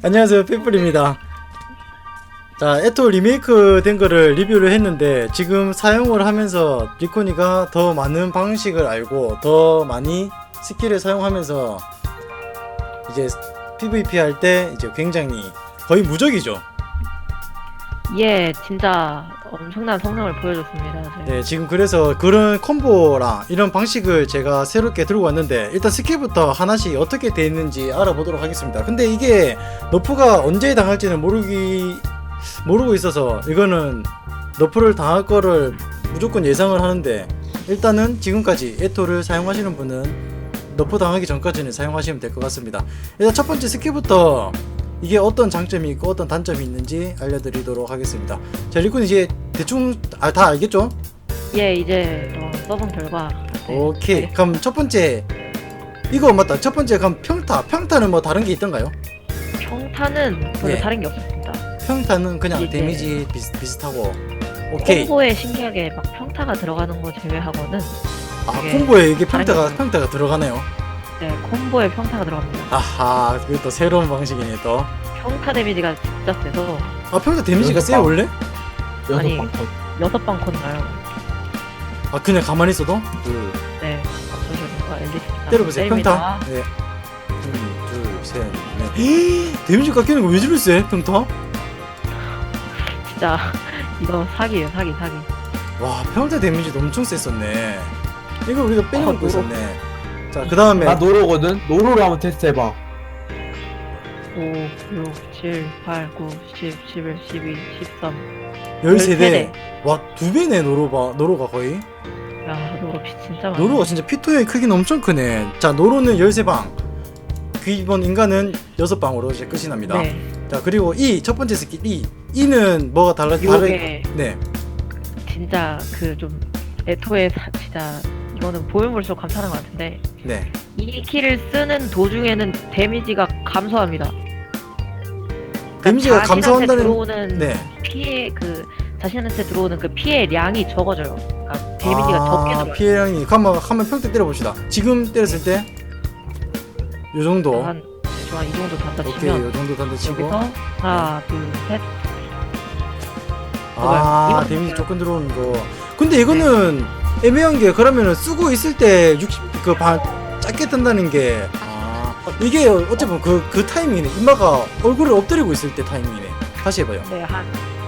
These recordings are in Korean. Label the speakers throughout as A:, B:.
A: 안녕하세요, 삐뿔입니다. 자, 에토 리메이크 된 거를 리뷰를 했는데 지금 사용을 하면서 리코니가 더 많은 방식을 알고 더 많이 스킬을 사용하면서 이제 PVP 할 때 이제 굉장히 거의 무적이죠.
B: 예, 진짜 엄청난 성능을 보여줬습니다.
A: 네, 지금 그래서 그런 콤보랑 이런 방식을 제가 새롭게 들고 왔는데 일단 스킬부터 하나씩 어떻게 되어 있는지 알아보도록 하겠습니다. 근데 이게 너프가 언제 당할지는 모르고 있어서 이거는 너프를 당할 거를 무조건 예상을 하는데 일단은 지금까지 에토를 사용하시는 분은 너프 당하기 전까지는 사용하시면 될 것 같습니다. 일단 첫 번째 스킬부터 이게 어떤 장점이 있고 어떤 단점이 있는지 알려드리도록 하겠습니다. 자, 리콘 이제 대충 다 알겠죠?
B: 예, 이제 써본 결과. 네.
A: 오케이. 그럼 첫 번째 이거 맞다. 첫 번째 그럼 평타는 뭐 다른 게 있던가요?
B: 평타는 별로
A: 예.
B: 다른 게 없었습니다.
A: 평타는 그냥
B: 이제
A: 데미지 비슷하고. 오케이.
B: 콤보에 신기하게 막 평타가 들어가는 거 제외하고는
A: 아,
B: 이게
A: 콤보에 이게
B: 다른 게
A: 평타가 들어가네요.
B: 네, 콤보에 평타가 들어갑니다.
A: 아하, 그게 또 새로운 방식이네 또.
B: 평타 데미지가 진짜 세서
A: 아, 평타 데미지가 세요
C: 여섯
A: 원래?
B: 아니.
C: 6방
B: 6방 컷 나요.
A: 아, 그냥 가만히 있어도?
B: 네, 저기가 엘리트
A: 때려보세요. 평타. 네. 하나, 둘, 셋, 넷. 데미지 깎이는 거 왜 저리 세? 평타?
B: 진짜 이거 사기예요, 사기.
A: 와, 평타 데미지도 엄청 셌었네. 이거 우리가 빼먹고
B: 노로.
A: 있었네. 자, 그 다음에
C: 나 노로거든? 노로를 한번 테스트 해봐.
B: 5, 6, 7, 8, 9, 10, 11, 12, 13.
A: 13대. 와, 2배네, 노로가 거의.
B: 야, 노로 피 진짜 많아.
A: 노로가 진짜 피토의 크기는 엄청 크네. 자, 노로는 13방. 기본 인간은 6방으로 이제 끝이 납니다.
B: 네.
A: 자, 그리고 첫 번째 스킬 E는 뭐가
B: 요게
A: 네.
B: 진짜 그 좀 에토의 진짜 이거는 보면 볼수록 감탄한 것 같은데
A: 네.
B: 이 키를 쓰는 도중에는 데미지가 감소합니다.
A: 데미지가
B: 자신한테
A: 감소한다는
B: 들어오는
A: 네.
B: 피해 그 자신한테 들어오는 그 피해량이 적어져요. 그러니까 데미지가 적게 들어요.
A: 피해량이 한번 평타 때려 봅시다. 지금 때렸을 때 요 정도.
B: 한 대충 이 정도 단다
A: 오케이,
B: 치면
A: 요 정도 단다 치고.
B: 여기서 하나, 둘, 셋.
A: 아,
B: 이건
A: 데미지
B: 어때요?
A: 조금 들어오는 거. 근데 이거는 애매한 게 그러면은 쓰고 있을 때 60반 짧게 뜬다는 게 이게 어쨌든 그 타이밍이네. 이마가 얼굴을 엎드리고 있을 때 타이밍이네. 다시 해봐요.
B: 네, 한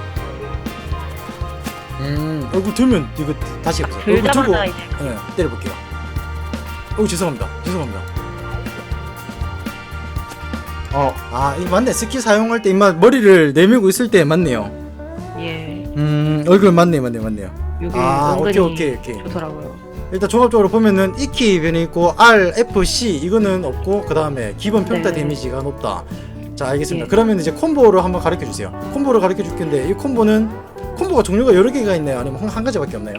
A: 얼굴 들면 이거 다시 해보세요. 얼굴 들고
B: 들자마자 이제
A: 네, 때려볼게요. 죄송합니다. 이 맞네. 스킬 사용할 때 이마 머리를 내밀고 있을 때 맞네요.
B: 예,
A: 얼굴 맞네요.
B: 요게
A: 오케이.
B: 은근히 좋더라고요.
A: 일단 종합적으로 보면은 E키 변이 있고 R, F, C 이거는 없고 그 다음에 기본 평타
B: 네.
A: 데미지가 높다. 자, 알겠습니다.
B: 예.
A: 그러면 이제 콤보를 한번 가르쳐 주세요. 콤보를 가르쳐 줄 건데 이 콤보가 종류가 여러 개가 있나요? 아니면 한 가지밖에 없나요?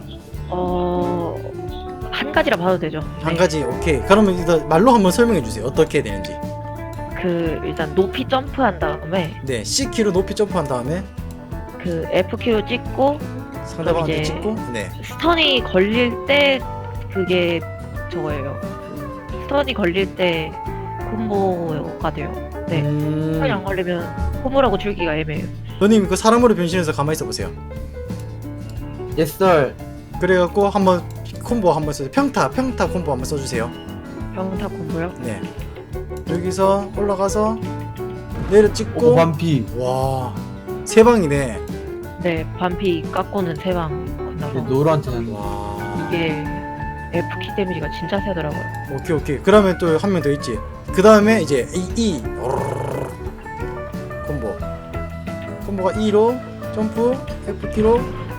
B: 한 가지라 봐도 되죠.
A: 한
B: 네.
A: 가지. 오케이. 그러면 일단 말로 한번 설명해 주세요. 어떻게 되는지.
B: 그 일단 높이 점프한 다음에
A: 네, C키로 높이 점프한 다음에
B: 그 F키로 찍고
A: 상대방한테
B: 이제
A: 찍고 네.
B: 스턴이 걸릴 때 그게 저거예요. 그 스턴이 걸릴 때 콤보가 돼요. 네. 스턴이 안 걸리면 콤보라고 줄기가 애매해요.
A: 너님 그 사람으로 변신해서 가만히 있어 보세요.
C: Yes sir.
A: 그래갖고 한번 콤보 한번 써주세요. 평타 콤보 한번 써주세요.
B: 평타 콤보요?
A: 네. 여기서 올라가서 내려 찍고
C: 오반피.
A: 와, 세 방이네.
B: 네, 반피 깎고는 세방 건너서
C: 노로한테는
A: 와.
B: 이게 F키 데미지가 진짜 세더라고요.
A: 오케이. 그러면 또 한 명 더 있지. 그 다음에 이제 콤보가 E로 점프, F키로.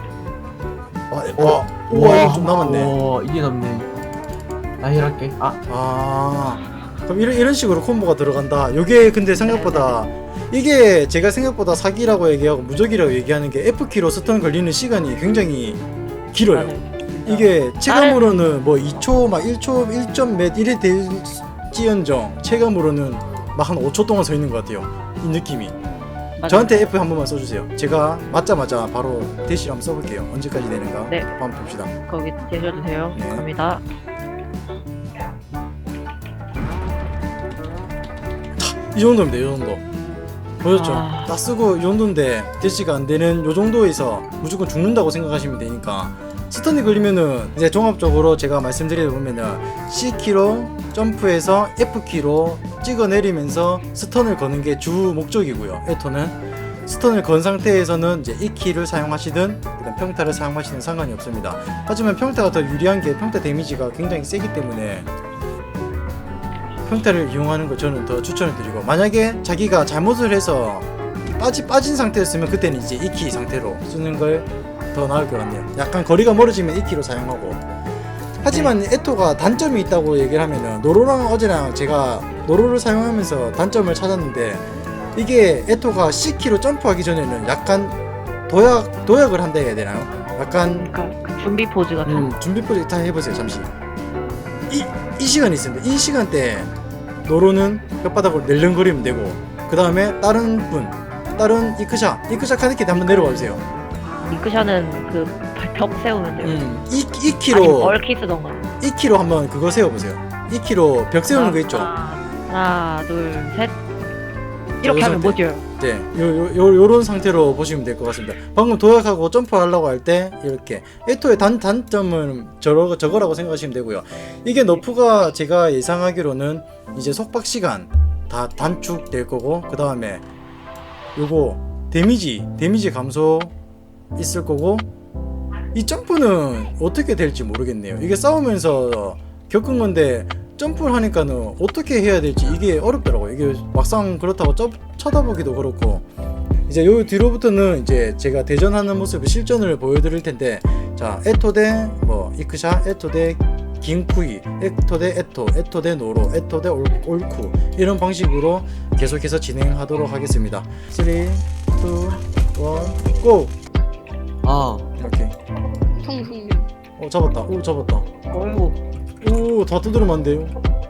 A: 우와, 이거 좀 남았네.
C: 이게 남네. 나 힐할게.
A: 그럼 이런 식으로 콤보가 들어간다. 요게 근데 생각보다 이게 제가 생각보다 사기라고 얘기하고 무적이라고 얘기하는 게 F키로 스턴 걸리는 시간이 굉장히 길어요.
B: 맞아요.
A: 이게 체감으로는 뭐 2초 막 1초 1점 몇 이래 될지언정 체감으로는 막 한 5초 동안 서 있는 것 같아요. 이 느낌이.
B: 맞아요.
A: 저한테 F 한 번만 써주세요. 제가 맞자마자 바로 대시 한번 써볼게요. 언제까지 되는가
B: 네.
A: 한번 봅시다.
B: 거기 계셔도 돼요.
A: 네.
B: 갑니다.
A: 이 정도입니다. 이 정도. 보셨죠?
B: 아.
A: 딱 쓰고 이 정도인데 대시가 안 되는 요 정도에서 무조건 죽는다고 생각하시면 되니까 스턴이 걸리면은 이제 종합적으로 제가 말씀드리다 보면은 C키로 점프해서 F키로 찍어 내리면서 스턴을 거는 게 주 목적이고요. 에토는 스턴을 건 상태에서는 이제 이 키를 사용하시든 그다음 평타를 사용하시든 상관이 없습니다. 하지만 평타가 더 유리한 게 평타 데미지가 굉장히 세기 때문에 평타를 이용하는 걸 저는 더 추천을 드리고, 만약에 자기가 잘못을 해서 빠진 상태였으면 그때는 이제 2키 상태로 쓰는 걸 더 나을 것 같네요. 약간 거리가 멀어지면 2키로 사용하고. 하지만 에토가 단점이 있다고 얘기를 하면은, 노로랑 어제랑 제가 노로를 사용하면서 단점을 찾았는데, 이게 에토가 C키로 점프하기 전에는 약간 도약을 한다 해야 되나요? 약간
B: 그러니까 그 준비 포즈 같은.
A: 준비 포즈 다 해보세요. 잠시 이 시간이 있습니다. 이 시간대 노로는 혓바닥으로 낼름거리면 되고, 그 다음에 다른 이크샤 카드키드 한번 내려와 주세요.
B: 링크샷은 그 벽 세우면 돼요.
A: 2키로
B: 아니면 얼키 쓰던가.
A: 2키로 한번 그거 세워보세요. 2키로 벽 세우는 거 있죠?
B: 하나, 둘, 셋. 이렇게
A: 요
B: 하면
A: 상태.
B: 뭐죠?
A: 네, 요런 상태로 보시면 될 것 같습니다. 방금 도약하고 점프하려고 할 때 이렇게 에토의 단점은 저거라고 생각하시면 되고요. 이게 너프가 제가 예상하기로는 이제 속박 시간 다 단축될 거고, 그 다음에 요거 데미지 감소 있을 거고, 이 점프는 어떻게 될지 모르겠네요. 이게 싸우면서 겪은 건데 점프를 하니까는 어떻게 해야 될지 이게 어렵더라고요. 이게 막상 그렇다고 쳐다보기도 그렇고. 이제 요 뒤로부터는 이제 제가 대전하는 모습을 실전을 보여드릴 텐데, 자, 에토 대 이크샤, 에토 대 긴쿠이, 에토 대 에토 대 노로, 에토 대 올쿠, 이런 방식으로 계속해서 진행하도록 하겠습니다. 3, 2, 1, 고!
C: 아
A: 이렇게.
D: 성승님.
A: 잡았다. 잡았다.
B: 어이구.
A: 다 두드리면 안 돼요.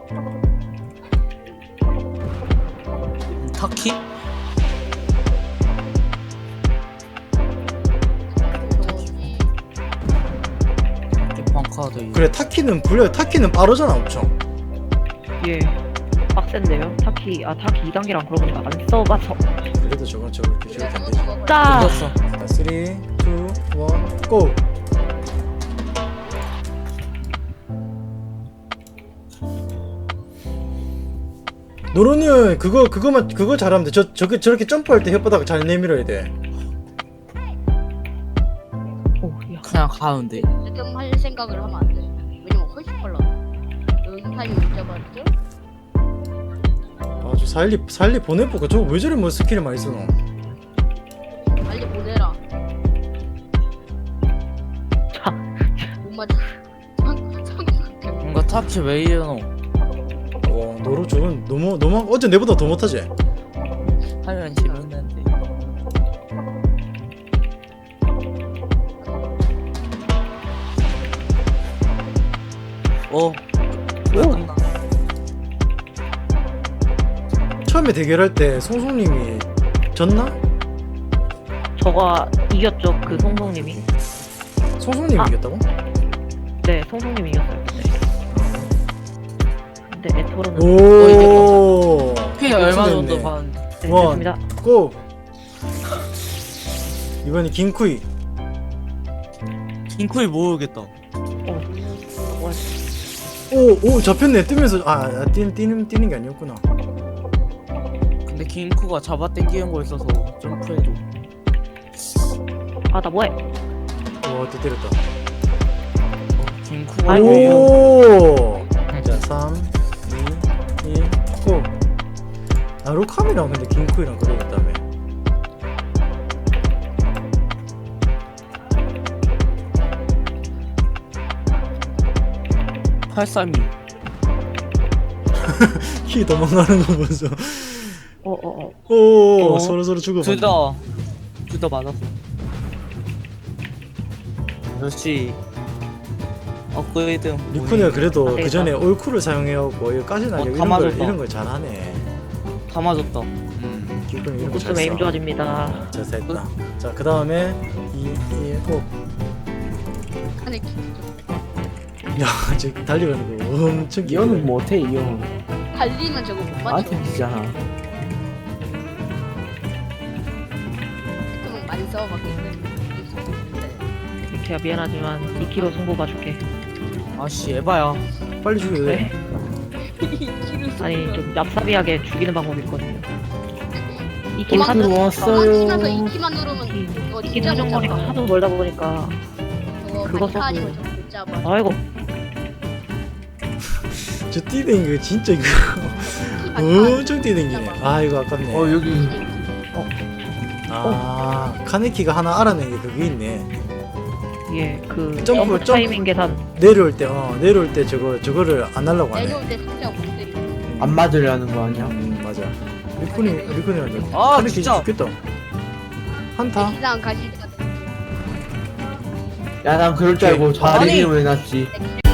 E: 타키? 방카드.
A: 그래, 타키는 빠르잖아, 엄청.
B: 예. 빡센데요? 타키 2단계랑 그러고 보니까 안 써봐서.
A: 그래도 저렇게 안 되지.
B: 짜!
E: 던졌어.
A: 자, 3, 2, 1, 고! 노로는 그거 잘하면 돼. 저렇게 점프할 때 혓바닥 잘 내밀어야 돼.
B: 오, 야.
E: 그냥 가운데.
D: 지금 할 생각을 하면 안 돼. 왜냐면 훨씬 빨라. 여기 타임 못 잡았죠?
A: 아주 살리 보내볼까? 저거 왜 저래 스킬을 많이 쓰노?
D: 빨리 보내라.
B: 자.
D: 못 맞아.
E: 뭔가 타키 왜 이러노?
A: 와, 노로 저건 너무 어제 내보다 더 못하지?
E: 하면 재밌는데. 오.
A: 처음에 대결할 때 송송님이 졌나?
B: 저가 이겼죠, 그 송송님이.
A: 송송님이
B: 아.
A: 이겼다고?
B: 네, 송송님이 이겼어요. 근데 에토로는.
A: 오.
E: 피 얼마
A: 됐네.
E: 정도 받는데?
B: 네,
A: 원.
B: 됐습니다.
A: 고! 이번이 긴쿠이.
E: 킹코이 모르겠다.
A: 오 잡혔네. 뜨면서 뛰는 게 아니었구나.
E: 근데 킹코가 잡아 당기는 거 있어서 점프해줘.
B: 나 뭐해?
A: 와, 또 때렸다.
E: 킹코가
B: 아이고.
E: 왜 이러노?
A: 오. 자, 3, 2, 1, 고! 나루카미랑 근데 긴쿠이랑 그러고 있다며.
E: 팔삼이.
A: 키 도망가는 거 보소.
B: 어어어.
A: 서로 죽어봤네.
E: 둘 다 맞았어. 역시 업그레이드.
A: 리쿠니가 그래도
B: 아,
A: 그 전에 올쿨을 사용해갖고 여기까지 나게
E: 다 맞았다.
A: 이런 걸 잘하네.
E: 다 맞았다.
A: 기분이 이런 거
B: 웃음
A: 잘
B: 에임
A: 써.
B: 좋아집니다.
A: 자, 됐다. 자, 그 다음에 2, 1, 고.
D: 안에
A: 야, 지금 달리가는 거 엄청
C: 이거는 못해 이거.
D: 달리면 저거 못 맞춰.
C: 나한테 지잖아.
D: 싸워봤겠네.
B: 이렇게 미안하지만 2kg 승부 봐줄게.
E: 아씨 에바야.
A: 빨리 죽여야 돼.
B: 왜? 아니 좀 얍삽하게 죽이는 방법이 있거든요. 2kg
C: 도망
B: 하도
C: 왔어요.
D: 도망치면서 이끼만 누르면 이거
B: 이긴
D: 진짜 못
B: 사정거리가
D: 잡아.
B: 하도 멀다 보니까
D: 저거
B: 그거
D: 많이
B: 써도-
D: 사지면 못 잡아.
B: 아이고
A: 저 뛰는 거 진짜 이거 엄청 뛰는 게. 아 이거 아깝네.
C: 여기
A: 아 카네키가 하나 알아낸 게 그게 있네.
B: 예, 그
A: 점프,
B: 점프 타이밍 계산.
A: 내려올 때 저거를 안 하려고 하네.
D: 내려올 때 진짜 못 때리고.
C: 안 맞으려는 거 아니야?
A: 맞아. 리콘이
E: 아,
A: 카네키
E: 진짜.
A: 죽겠다. 한타.
D: 이상 가시다.
C: 야 난 그럴 줄 알고
A: 오케이.
C: 자리
E: 아니.
C: 이름을 해놨지.